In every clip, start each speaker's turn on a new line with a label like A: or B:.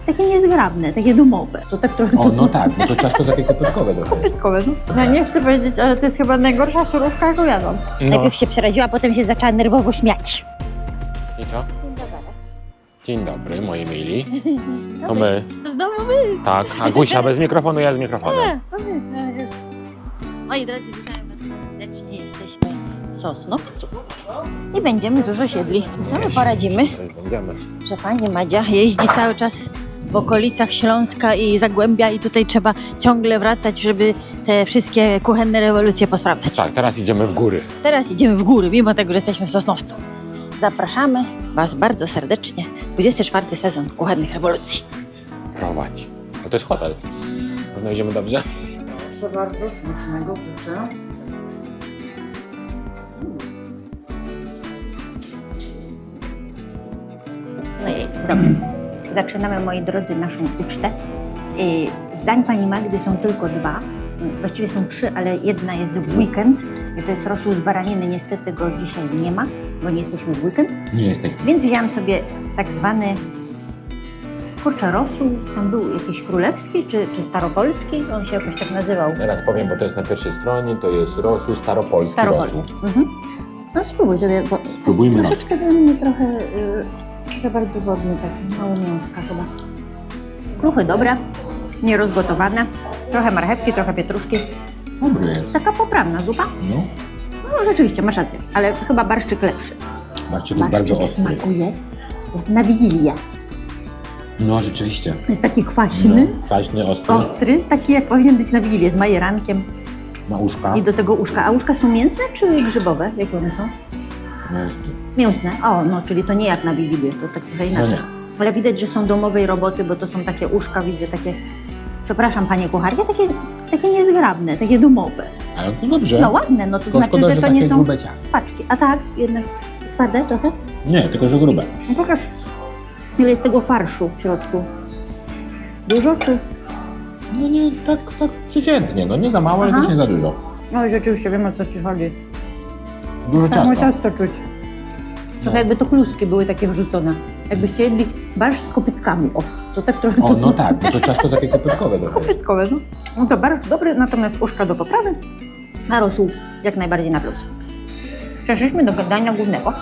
A: takie niezgrabne, takie domowe. To tak trochę...
B: O, no tak, bo to ciasto takie kopytkowe trochę.
A: Kopytkowe, no. Ja nie chcę powiedzieć, ale to jest chyba najgorsza surówka, jaką jadłam.
B: No.
A: Najpierw się przeraziła, potem się zaczęła nerwowo śmiać.
B: I co?
A: Dzień dobry.
B: Dzień dobry, moi mili. To my.
A: Znowu my.
B: Tak, Agusia bez mikrofonu, ja z mikrofonem.
A: Moi drodzy, witam was serdecznie. Jesteśmy w Sosnowcu i będziemy dużo siedli. Co my poradzimy,
B: Będziemy.
A: że pani Madzia jeździ cały czas w okolicach Śląska i Zagłębia i tutaj trzeba ciągle wracać, żeby te wszystkie kuchenne rewolucje posprawdzać.
B: Tak, teraz idziemy w góry.
A: Teraz idziemy w góry, mimo tego, że jesteśmy w Sosnowcu. Zapraszamy was bardzo serdecznie. 24 sezon kuchennych rewolucji.
B: Prowadź. No to jest hotel. Pewno idziemy dobrze?
A: Proszę bardzo, smacznego życzę. No i dobrze. Zaczynamy, moi drodzy, naszą ucztę. Zdań pani Magdy są tylko dwa. Właściwie są trzy, ale jedna jest w weekend. I to jest rosół z baraniny. Niestety go dzisiaj nie ma, bo nie jesteśmy w weekend.
B: Nie jesteśmy.
A: Więc wzięłam sobie tak zwany rosół. Tam był jakiś królewski czy staropolski. On się jakoś tak nazywał.
B: Teraz powiem, bo to jest na pierwszej stronie, to jest rosół staropolski rosół.
A: Mhm. No spróbuj sobie, bo
B: Spróbujmy
A: troszeczkę dla mnie trochę za bardzo wodny, taki mało mięska chyba. Kluchy dobre, nierozgotowane, trochę marchewki, trochę pietruszki.
B: Dobry jest.
A: Taka poprawna zupa.
B: No,
A: No rzeczywiście, masz rację, ale chyba barszczyk lepszy.
B: barszczyk jest bardzo ostry.
A: smakuje jak na Wigilię.
B: No, rzeczywiście.
A: Jest taki kwaśny,
B: No, kwaśny, ostry,
A: ostry, taki jak powinien być na Wigilię, z majerankiem
B: ma uszka.
A: i do tego uszka. A uszka są mięsne czy grzybowe? Jakie one są? Mięsne. O, no, czyli to nie jak na Wigilię, to tak trochę
B: No
A: inaczej.
B: nie.
A: Ale widać, że są domowej roboty, bo to są takie uszka, widzę takie, przepraszam panie kucharki, takie niezgrabne, takie domowe.
B: Ale to dobrze.
A: No ładne, no to
B: Tylko
A: znaczy,
B: szkoda,
A: że to
B: takie
A: nie są
B: grube ciasto.
A: spaczki. A tak, jednak twarde trochę?
B: Nie, tylko że grube.
A: No pokaż, ile jest tego farszu w środku. Dużo czy?
B: No nie, tak przeciętnie. No nie za mało, ale
A: Aha.
B: też nie za dużo.
A: No rzeczywiście wiem, o co ci chodzi.
B: Dużo
A: Samo
B: ciasta.
A: ciasto czuć. Trochę jakby to kluski były takie wrzucone. Jakbyście jedli barszcz z kopytkami. O, to tak trochę...
B: O, no tak, bo to ciasto takie kopytkowe trochę.
A: Kopytkowe, no. No to barszcz dobry, natomiast uszka do poprawy, a rosół jak najbardziej na plus. Przeszliśmy do dania głównego.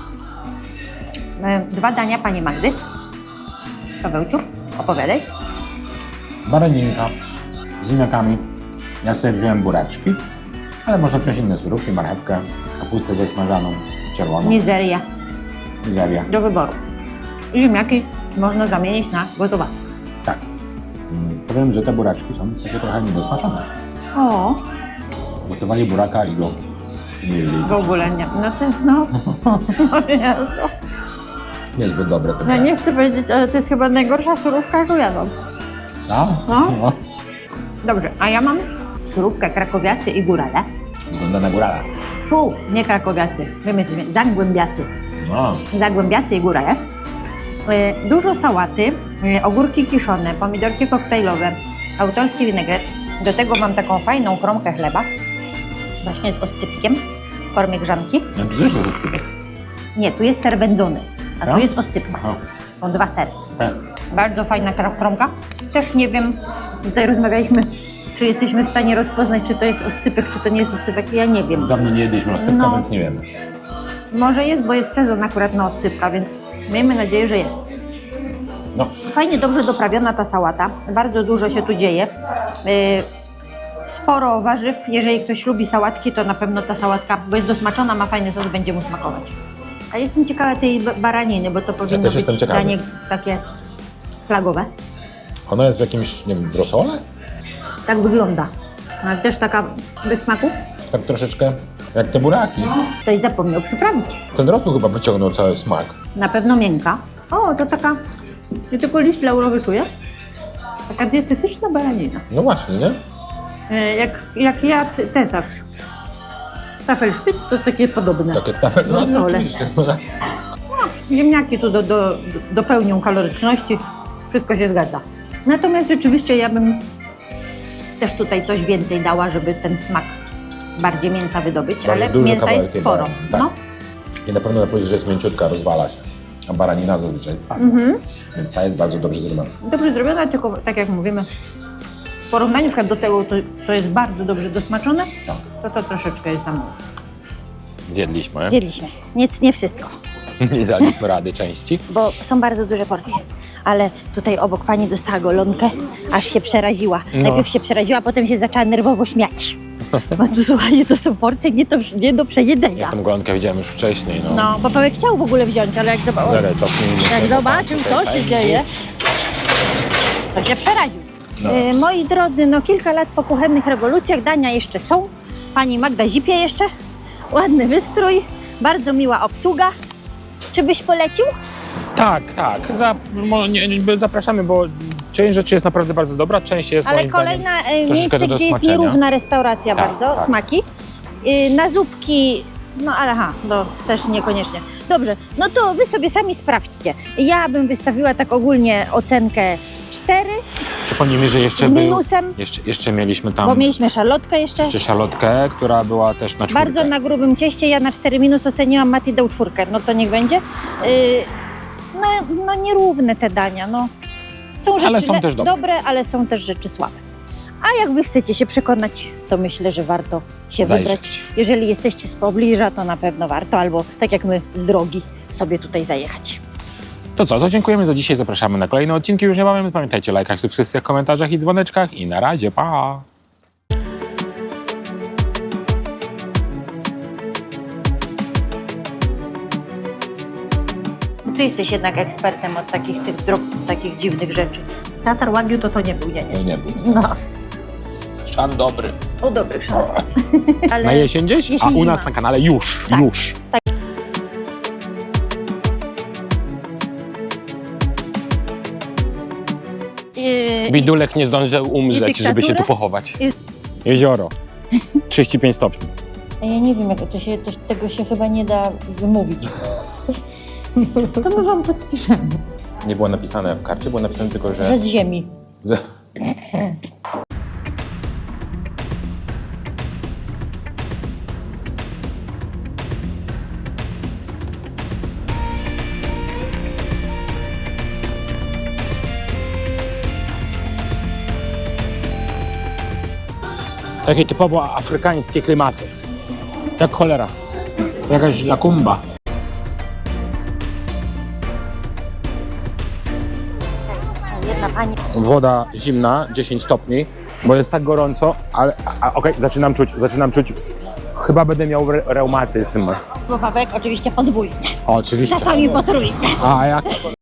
A: Dwa dania pani Magdy. Pawełciu, opowiadaj.
B: Baraninka z ziemniakami. Ja sobie wziąłem buraczki, ale można wziąć inne surówki, marchewkę, kapustę zasmażaną, czerwoną,
A: Mizeria
B: mizeria.
A: do wyboru. Ziemniaki można zamienić na gotowane.
B: Tak. Powiem, że te buraczki są takie trochę niedosmaczone.
A: O,
B: Gotowali buraka i go zmielili.
A: w ogóle nie. No to, no. O Jezu.
B: Niezbyt dobre te
A: Ja
B: buraczki.
A: nie chcę powiedzieć, ale to jest chyba najgorsza surówka, jaką jadłam.
B: No?
A: No. Dobrze, a ja mam surówkę krakowiacy i górale.
B: Wygląda na górala.
A: Fu, nie krakowiacy, my jesteśmy zagłębiacy.
B: No.
A: Zagłębiacy i górale. Dużo sałaty, ogórki kiszone, pomidorki koktajlowe, autorski winegret. Do tego mam taką fajną kromkę chleba, właśnie z oscypkiem w formie grzanki.
B: No to też jest ustypek.
A: Nie, tu jest ser wędzony, a tu
B: Tak?
A: jest oscypka.
B: Aha.
A: Są dwa sery.
B: Tak.
A: Bardzo fajna kromka. Też nie wiem, tutaj rozmawialiśmy, czy jesteśmy w stanie rozpoznać, czy to jest oscypek, czy to nie jest oscypek. Ja nie wiem.
B: Dawno nie jedliśmy oscypka,
A: No.
B: więc nie wiemy.
A: Może jest, bo jest sezon akurat na oscypka, więc miejmy nadzieję, że jest.
B: No.
A: Fajnie, dobrze doprawiona ta sałata. Bardzo dużo się tu dzieje. Sporo warzyw. Jeżeli ktoś lubi sałatki, to na pewno ta sałatka, bo jest dosmaczona, ma fajny sos, będzie mu smakować. A jestem ciekawa tej baraniny, bo to powinno
B: też jestem
A: być
B: ciekawy.
A: danie takie flagowe.
B: Ona jest w jakimś, nie wiem, drosole?
A: Tak wygląda. Ale też taka bez smaku.
B: Tak troszeczkę jak te buraki.
A: Ktoś zapomniał przyprawić.
B: Ten rosół chyba wyciągnął cały smak.
A: Na pewno miękka. O, to taka, ja tylko liść laurowy czuję. Taka dietetyczna baranina.
B: No właśnie, nie?
A: Jak jadł cesarz. Tafelszpic to takie podobne.
B: Tak jak tafel. No,
A: Rosole.
B: oczywiście.
A: Ziemniaki tu dopełnią kaloryczności. Wszystko się zgadza. Natomiast rzeczywiście ja bym też tutaj coś więcej dała, żeby ten smak bardziej mięsa wydobyć,
B: Bardzo
A: ale
B: duży
A: mięsa
B: kawałek
A: jest
B: tej
A: sporo.
B: barany, tak.
A: No.
B: I na pewno na powiedzieć, że jest mięciutka, rozwala się. A baranina zazwyczaj jest twarda. Więc ta jest bardzo dobrze zrobiona.
A: Dobrze zrobiona, tylko tak jak mówimy, w porównaniu na przykład do tego, co jest bardzo dobrze dosmaczone,
B: Tak.
A: to troszeczkę jest za mało.
B: Zjedliśmy.
A: Zjedliśmy. Nic, nie wszystko,
B: Nie daliśmy rady części.
A: bo są bardzo duże porcje. Ale tutaj obok pani dostała golonkę, aż się przeraziła.
B: No.
A: Najpierw się przeraziła, a potem się zaczęła nerwowo śmiać. Bo tu, słuchajcie, to są porcje nie do przejedzenia.
B: Ja tą golonkę widziałem już wcześniej. No.
A: No, bo Paweł chciał w ogóle wziąć, ale jak zobaczył,
B: Zaraz, cofnijmy się.
A: zobaczył, co się dzieje, to się przeraził.
B: No.
A: Moi drodzy, no kilka lat po kuchennych rewolucjach, dania jeszcze są. Pani Magda zipie jeszcze. Ładny wystrój, bardzo miła obsługa. Czy byś polecił?
B: Tak. Zapraszamy, bo część rzeczy jest naprawdę bardzo dobra, część jest
A: Ale
B: moim
A: kolejne
B: troszeczkę
A: miejsce,
B: do
A: gdzie jest
B: smaczenia.
A: nierówna restauracja
B: Tak,
A: bardzo,
B: tak.
A: smaki. Na zupki, no ale też niekoniecznie. Dobrze, no to wy sobie sami sprawdźcie. Ja bym wystawiła tak ogólnie ocenkę 4
B: Przypomnijmy, że jeszcze
A: z minusem,
B: jeszcze mieliśmy tam
A: bo mieliśmy szalotkę jeszcze.
B: szalotkę, która była też na czwórkę.
A: Bardzo na grubym cieście, ja na 4 minus oceniłam, Mati dał 4, no to niech będzie. No nierówne te dania, no. Są rzeczy
B: Ale są też
A: dobre, ale są też rzeczy słabe. A jak wy chcecie się przekonać, to myślę, że warto się
B: Zajrzeć.
A: wybrać. Jeżeli jesteście z pobliża, to na pewno warto, albo tak jak my z drogi sobie tutaj zajechać.
B: To co, to dziękujemy za dzisiaj, zapraszamy na kolejne odcinki już niebawem. Pamiętajcie o lajkach, subskrypcjach, komentarzach i dzwoneczkach i na razie, pa!
A: Ty jesteś jednak ekspertem od takich dziwnych rzeczy. Tatar Wagyu to nie był, nie.
B: Nie był.
A: No,
B: Szan dobry.
A: o dobrych szanownych. Ale
B: Na jesień gdzieś, a
A: jesień,
B: u nas
A: zima.
B: na kanale już. Bidulek nie zdążył umrzeć,
A: i
B: żeby się tu
A: dyktaturę?
B: pochować. Jezioro. 35 stopni.
A: Ja nie wiem, jak tego się chyba nie da wymówić. To my wam podpiszemy.
B: Nie było napisane w karcie, było napisane tylko, że...
A: Że z ziemi.
B: Takie typowo afrykańskie klimaty. Jak cholera. Jakaś lakumba.
A: Jedna pani.
B: Woda zimna, 10 stopni, bo jest tak gorąco, ale okej, zaczynam czuć. Chyba będę miał reumatyzm.
A: Słowawek oczywiście podwójnie.
B: Oczywiście.
A: Czasami potrójnie.
B: A jak